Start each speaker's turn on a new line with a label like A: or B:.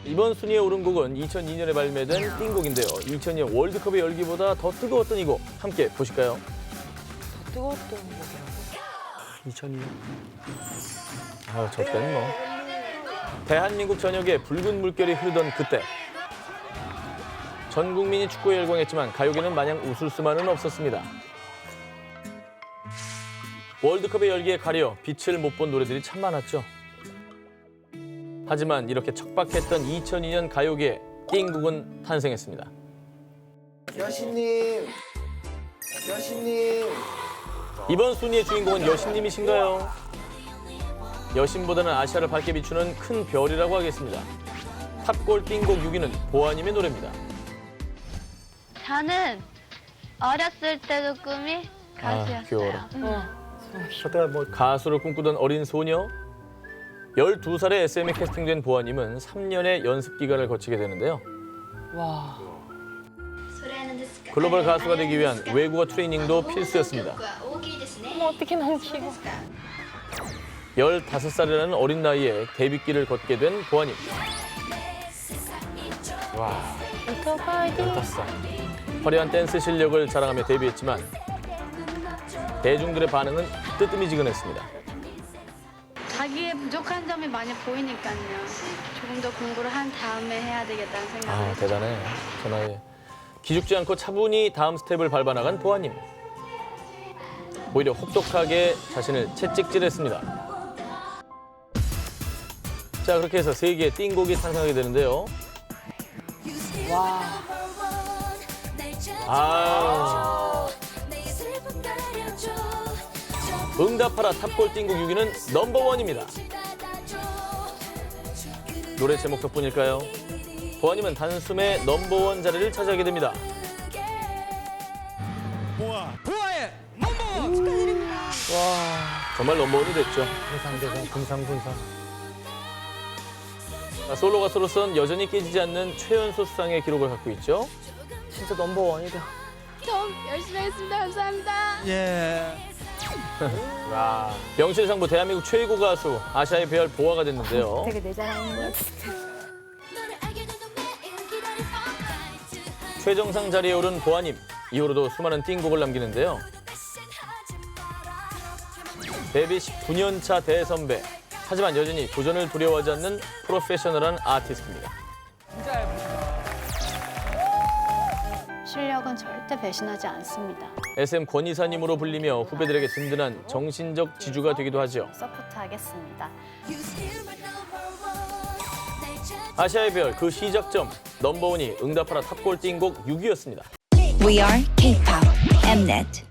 A: 이번 순위에 오른 곡은 2002년에 발매된 띵곡인데요. 2002년 월드컵의 열기보다 더 뜨거웠던 이 곡 함께 보실까요?
B: 더 뜨거웠던 곡이라고?
A: 2002년. 저 때는 뭐. 대한민국 전역에 붉은 물결이 흐르던 그때. 전 국민이 축구에 열광했지만 가요계는 마냥 웃을 수만은 없었습니다. 월드컵의 열기에 가려 빛을 못 본 노래들이 참 많았죠. 하지만 이렇게 척박했던 2002년 가요계에 띵곡은 탄생했습니다.
C: 여신님, 여신님.
A: 이번 순위의 주인공은 여신님이신가요? 여신보다는 아시아를 밝게 비추는 큰 별이라고 하겠습니다. 탑골 띵곡 6위는 보아님의 노래입니다.
D: 저는 어렸을 때도 꿈이 가수였어요.
A: 귀여워라.
B: 어.
A: 뭐 가수를 꿈꾸던 어린 소녀? 12살에 SM에 캐스팅된 보아님은 3년의 연습 기간을 거치게 되는데요.
B: 와.
A: 글로벌 가수가 되기 위한 외국어 트레이닝도 필수였습니다.
B: 어머, 어떻게 너무 귀여워.
A: 15살이라는 어린 나이에 데뷔길을 걷게 된 보아님. 와, 15살. 화려한 댄스 실력을 자랑하며 데뷔했지만 대중들의 반응은 뜨뜨미지근했습니다.
D: 자기의 부족한 점이 많이 보이니까요. 조금 더 공부를 한 다음에 해야 되겠다는 생각을
A: 대단해. 저 나이에. 기죽지 않고 차분히 다음 스텝을 밟아나간 보아님. 오히려 혹독하게 자신을 채찍질했습니다. 자, 그렇게 해서 세 개의 띵곡이 탄생하게 되는데요.
B: 와.
A: 응답하라 탑골 띵곡 6위는 넘버원입니다. 노래 제목 덕분일까요? 보아님은 단숨에 넘버원 자리를 차지하게 됩니다.
E: 보아의 넘버원 축하드립니다.
A: 정말 넘버원이 됐죠.
C: 금상군상.
A: 솔로 가수로선 여전히 깨지지 않는 최연소 수상의 기록을 갖고 있죠.
B: 진짜 넘버원이다.
D: 좀 열심히 하겠습니다. 감사합니다.
E: 예.
A: 명실상부 대한민국 최고 가수 아시아의 배열 보아가 됐는데요.
D: 되게 내 자랑인 것 같아.
A: 최정상 자리에 오른 보아님. 이후로도 수많은 띵곡을 남기는데요. 데뷔 19년 차 대선배. 하지만 여전히 도전을 두려워하지 않는 프로페셔널한 아티스트입니다.
D: 실력은 절대 배신하지 않습니다.
A: SM 권이사님으로 불리며 후배들에게 든든한 정신적 지주가 되기도 하죠.
D: 서포트하겠습니다.
A: 아시아의 별 그 시작점 넘버원이 응답하라 탑골 띵곡 6위였습니다.
F: We are K-pop Mnet.